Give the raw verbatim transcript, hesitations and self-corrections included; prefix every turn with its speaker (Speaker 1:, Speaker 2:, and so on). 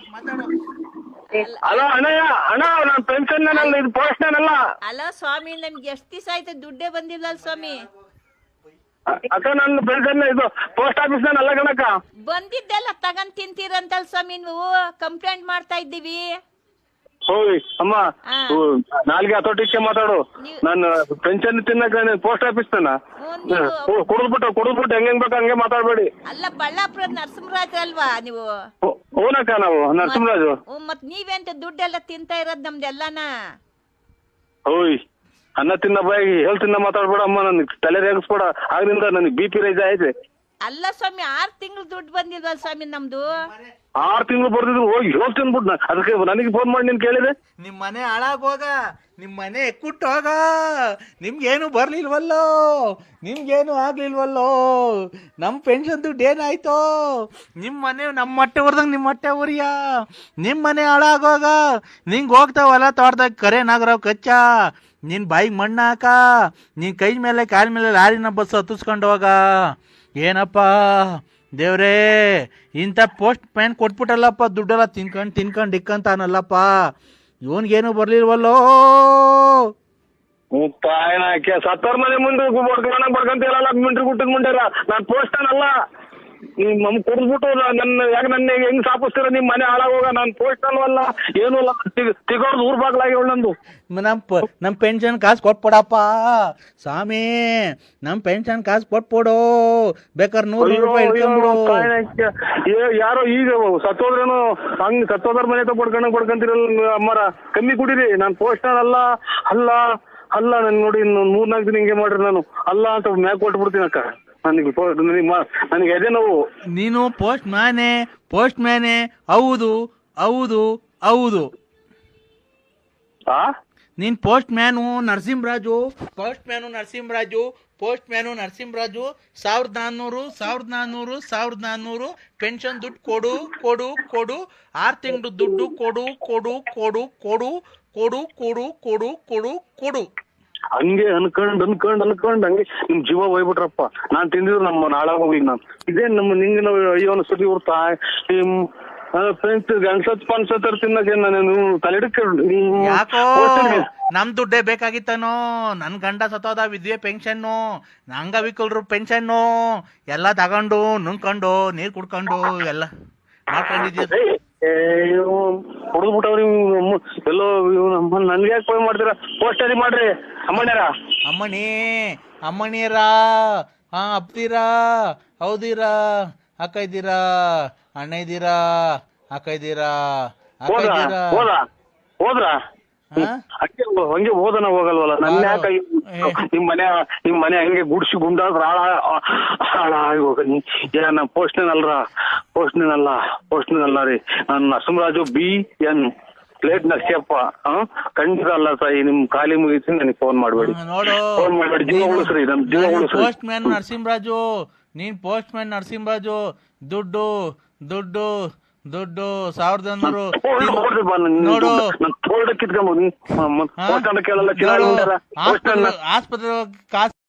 Speaker 1: Hello ಅಣ್ಣಯ್ಯ, ಅಣ್ಣ ನಾನು pension ಅಲ್ಲ, ಇದು ಪೋಸ್ಟ್ ಅಲ್ಲ.
Speaker 2: ಅಲ್ಲ ಸ್ವಾಮಿ, ನಮ್ಗೆ ಎಷ್ಟ್ ದಿವಸ ಆಯ್ತು ದುಡ್ಡೇ ಬಂದಿಲ್ಲ ಸ್ವಾಮಿ.
Speaker 1: ಅಕ್ಕ ನನ್ನ ಪೆನ್ಷನ್ ಇದು ಪೋಸ್ಟ್ ಆಫೀಸ್ ಅಲ್ಲ ಕಣಕ್ಕ.
Speaker 2: ಬಂದಿದ್ದೆಲ್ಲ ತಗೊಂಡ್ ತಿಂತೀರಂತಲ್ ಸ್ವಾಮಿ, ನೀವು ಕಂಪ್ಲೇಂಟ್ ಮಾಡ್ತಾ ಇದ್ದೀವಿ.
Speaker 1: ಹೋಯ್ ಅಮ್ಮ,
Speaker 2: ಹಾ.
Speaker 1: ನಾಲ್ಗೆ ಹತೋಟಿಕ್ಕೆ ಮಾತಾಡು.
Speaker 2: ನೀವು-
Speaker 1: ನಾನು ಪೆನ್ಷನ್ ತಿನ್ನಕ ಪೋಸ್ಟ್ ಆಫೀಸ್ ತನ
Speaker 2: ಹ್ಞೂ, ನೀವು-
Speaker 1: ಕುಡಿದ್ಬಿಟ್ಟು ಕುಡಿದ್ಬಿಟ್ಟು ಹೆಂಗ್ ಹೆಂಗ್ ಬೇಕು ಹಂಗೆ ಮಾತಾಡ್ಬೇಡಿ.
Speaker 2: ಅಲ್ಲ ಬಳ್ಳಾಪುರದ ನರಸಿಂಹರಾಜ್ ಅಲ್ವಾ ನೀವು?
Speaker 1: ಹೂನಕ್ಕ, ನಾವು ನರಸಿಂಹರಾಜು.
Speaker 2: ಹ್ಞೂ, ಮತ್ ನೀವೆಂತ ದುಡ್ಡೆಲ್ಲ ತಿಂತಾ ಇರೋದ್ ನಮ್ದೆಲ್ಲನ?
Speaker 1: ಹೋಯ್ ಅನ್ನ ತಿನ್ನ ಬಾಯಿ ಹೇಳ್ ತಿನ್ನ ಮಾತಾಡ್ಬೇಡ ಅಮ್ಮ, ನನ್ಗೆ ತಲೆ ರೇಗಿಸ್ಬೇಡ. ಆಗ್ರಿಂದ ನನಗೆ ಬಿ ಪಿ ರೈಸ್ ಆಯ್ತು.
Speaker 2: ಅಲ್ಲ ಸ್ವಾಮಿ, ಆರ್ ತಿಂಗಳು ದುಡ್ಡು ಬಂದಿಲ್ವಲ್ಲ ಸ್ವಾಮಿ ನಮ್ದು?
Speaker 1: ಆರು ತಿಂಗಳು ಬರ್ದಿದ್ರು ಹೋಗಿ ಹೋಗ್ ತಿನ್ಬಿಟ್ಟು ಅದಕ್ಕೆ ನನಗೆ ಫೋನ್ ಮಾಡಿ ನೀನ್ ಕೇಳಿದೆ.
Speaker 3: ನಿಮ್ ಮನೆ ಹಾಳಾಗೋಗ, ನಿಮ್ ಮನೆ ಎಕ್ಕುಟ್ಟೋಗ, ನಿಮ್ಗೇನು ಬರ್ಲಿಲ್ವಲ್ಲೋ, ನಿಮ್ಗೇನು ಆಗ್ಲಿಲ್ವಲ್ಲೋ, ನಮ್ ಪೆನ್ಷನ್ ದುಡ್ಡು ಏನಾಯ್ತೋ? ನಿಮ್ ಮನೆ ನಮ್ಮ ಹೊಟ್ಟೆ ಹೊರ್ದಂಗ್ ನಿಮ್ ಹೊಟ್ಟೆ ಉರಿಯ, ನಿಮ್ ಮನೆ ಹಾಳಾಗೋಗ. ನಿಂಗೆ ಹೋಗ್ತಾವಲ್ಲ ತೋಟದಾಗ ಕರೆ ನಾಗರಾವ್ ಕಚ್ಚ, ನಿನ್ ಬಾಯಿಗೆ ಮಣ್ಣು ಹಾಕ, ನಿನ್ ಕೈ ಮೇಲೆ ಕಾಲ ಮೇಲೆ ಲಾರಿನ ಬಸ್ ಹತ್ತಿಸ್ಕೊಂಡು ಹೋಗ. ಏನಪ್ಪ ದೇವ್ರೇ, ಇಂಥ ಪೋಸ್ಟ್ ಮ್ಯಾನ್ ಕೊಟ್ಬಿಟ್ಟಲ್ಲಪ್ಪ, ದುಡ್ಡೆಲ್ಲ ತಿನ್ಕೊಂಡು ತಿನ್ಕೊಂಡು ಇಕ್ಕಂತಾನಲ್ಲಪ್ಪ, ಇವನ್ಗೇನು ಬರ್ಲಿಲ್ವಲ್ಲೋ.
Speaker 1: ತಾಯನಾಕೆ ಸತ್ತರ್ ಮನೆ ಮುಂದೆ ಬಡ್ಕೊಂಡ ಬಡ್ಕೊಂತೀರಲ್ಲ ಮಿಂಟ್ರಿ ಗುಟ್ಟದ ಮುಂಡೆರ. ನಾನ್ ಪೋಸ್ಟ್ ಅಲ್ಲ, ನಿಮ್ ನಮ್ ಕುಡಿದ್ಬಿಟ್ಟು ನನ್ನ ಯಾಕೆ ನನ್ನ ಹೆಂಗ್ ಸಾಪಿಸ್ತೀರ? ನಿಮ್ ಮನೆ ಹಾಳಾಗೋಗ. ನಾನ್ ಪೋಸ್ಟ್ ಅಲ್ವಲ್ಲ, ಏನೂ ಅಲ್ಲ, ತಿಗೋರ್ದು ಊರ್ ಬಾಗ್ಲಾಗಿ ನಂದು.
Speaker 3: ನಮ್ಮ ಪ ನಮ್ಮ ಪೆನ್ಷನ್ ಕಾಸು ಕೊಟ್ಬಿಡಪ್ಪ ಸ್ವಾಮಿ, ನಮ್ಮ ಪೆನ್ಷನ್ ಕಾಸು ಕೊಟ್ಬಿಡು, ಬೇಕಾದ್ರೆ ನೂರು ರೂಪಾಯಿ ಇಟ್ಕೊಂಡ್ಬಿಡು.
Speaker 1: ಯಾರೋ ಈಗ ಸತ್ತೋದ್ರೇನು ಹಂಗ್ ಸತ್ತೋದ್ರ ಮನೆ ಬಡ್ಕೊಂಡ ಬಡ್ಕೊಂತೀರಲ್ಲ ಅಮ್ಮರ, ಕಮ್ಮಿ ಕುಡೀರಿ. ನಾನ್ ಪೋಸ್ಟ್ ಅಲ್ಲ ಅಲ್ಲ ಅಲ್ಲ ನನ್ ನೋಡಿ ಇನ್ನು ಮೂರ್ನಾಲ್ಕು ದಿನ ಹಿಂಗೆ ಮಾಡ್ರಿ. ನಾನು ಅಲ್ಲ ಅಂತ ಮ್ಯಾಗ್ ಕೊಟ್ಬಿಡ್ತೀನಿ ಅಕ್ಕ. ನನಗೆ ನನಗೆ ಎದೆ ನೋವು.
Speaker 3: ನೀನು ಪೋಸ್ಟ್ ಮ್ಯಾನೆ ಪೋಸ್ಟ್ ಮ್ಯಾನೆ ಹೌದು ಹೌದು ಹೌದು.
Speaker 1: ಆ
Speaker 3: ನೀನ್ postman Narasimharaju, postman Narasimharaju, postman Narasimharaju. ಸಾವಿರದ ನಾನ್ನೂರು ಸಾವಿರದ ನಾನ್ನೂರು ಸಾವಿರದ ನಾನ್ನೂರು ಪೆನ್ಷನ್ ದುಡ್ಡು ಕೊಡು ಕೊಡು ಕೊಡು, ಆರು ತಿಂಗಳು ದುಡ್ಡು ಕೊಡು ಕೊಡು ಕೊಡು ಕೊಡು ಕೊಡು ಕೊಡು ಕೊಡು ಕೊಡು ಕೊಡು.
Speaker 1: ಹಂಗೆ ಅನ್ಕೊಂಡ್ ಅನ್ಕೊಂಡ್ ಅನ್ಕೊಂಡ್ ಹಂಗೆ ನಿಮ್ ಜೀವ ಹೋಗ್ಬಿಟ್ರಪ್ಪ. ನಾನ್ ತಿಂದಿದ್ರು ನಮ್ಮ ನಾಳಾಗೋಗಿ ನಾನು ಇದೇ ನಮ್ಮ ನಿಂಗೆ ನಾವು ಅಯ್ಯೋ ಸುದ್ದಿ ಬರ್ತಾ ನಿಮ್ ಫ್ರೆಂಡ್ಸ್ ಗಣಸತ್ ಪನ್ಸತ್ತರ ತಿನ್ನಕ್ಕೆ ನಾನು ತಲೆಡಕ್ಕೆ.
Speaker 3: ಯಾಕೋ ನಮ್ ದುಡ್ಡೇ ಬೇಕಾಗಿತ್ತನೋ? ನನ್ ಗಂಡ ಸತ್ತೋದ, ವಿದ್ಯೆ ಪೆನ್ಷನ್ನು, ಅಂಗವಿಕಲರು ಪೆನ್ಷನ್ನು ಎಲ್ಲ ತಗೊಂಡು ನುಂಗ್ಕೊಂಡು ನೀರ್ ಕುಡ್ಕೊಂಡು ಎಲ್ಲ ಮಾಡ್ಕೊಂಡಿದ್ಯ.
Speaker 1: ಹೊಡೆದ್ಬಿಟ್ಟವ್ರಿ ಎಲ್ಲೋ. ನನ್ಗೆ ಯಾಕೆ ಫೋನ್ ಮಾಡ್ತೀರಾ? ಪೋಸ್ಟರಿ ಮಾಡ್ರಿ ಅಮ್ಮಣ್ಯರ.
Speaker 3: ಅಮ್ಮಣಿ ಅಮ್ಮಣಿಯರಾ, ಹಾ ಅಪ್ತೀರಾ, ಹೌದಿರಾ, ಅಕ್ಕ ಇದ್ದೀರಾ, ಅಣ್ಣ ಇದ್ದೀರಾ, ಅಕ್ಕ ಇದ್ದೀರಾ, ಅಕ್ಕ
Speaker 1: ಹೋದ್ರ
Speaker 3: ಇದ್ದೀರಾ?
Speaker 1: ಹೋದ ಹೋದ್ರ ಹಂಗೆ ಹಂಗೆ ಹೋದನ ಹೋಗಲ್ವಲ್ಲ. ನನ್ನ ಯಾಕೆ ನಿಮ್ ಮನೆ ನಿಮ್ ಮನೆ ಹಂಗೆ ಗುಡ್ಸಿ ಗುಂಡಾದ್ರ ಹಾಳ ಹಾಳಾಗಿ ಹೋಗ. ಏನ ಪೋಸ್ಟ್ನೇನ್ ಅಲ್ರ, ಪೋಸ್ಟ್ನೇನ್ ಅಲ್ಲ, ಪೋಸ್ಟ್ನೇನ್ ಅಲ್ಲ ರೀ. ನಾನು Narasimharaju B N plate Narsiyappa. ಖಂಡಿತ ಅಲ್ಲ ತಾಯಿ, ನಿಮ್ ಖಾಲಿ ಮುಗಿಸಿ ನನಗೆ ಫೋನ್ ಮಾಡ್ಬೇಡಿ,
Speaker 3: ನೋಡು,
Speaker 1: ಫೋನ್ ಮಾಡ್ಬೇಡಿ. ಜೀವ ಉಳಿಸ್ರಿ, ನಮ್ ಜೀವ ಉಳಿಸ್ರಿ.
Speaker 3: ಪೋಸ್ಟ್ ಮ್ಯಾನ್ ನರಸಿಂಹರಾಜು, ನೀನ್ ಪೋಸ್ಟ್ ಮ್ಯಾನ್ ನರಸಿಂಹರಾಜು. ದುಡ್ಡು ದುಡ್ಡು ದುಡ್ಡು ಸಾವಿರದ ನೂರು ನೋಡು.
Speaker 1: ಕಿತ್ಕೊಂಬೋದು.
Speaker 3: ಆಸ್ಪತ್ರೆ ಕಾಸು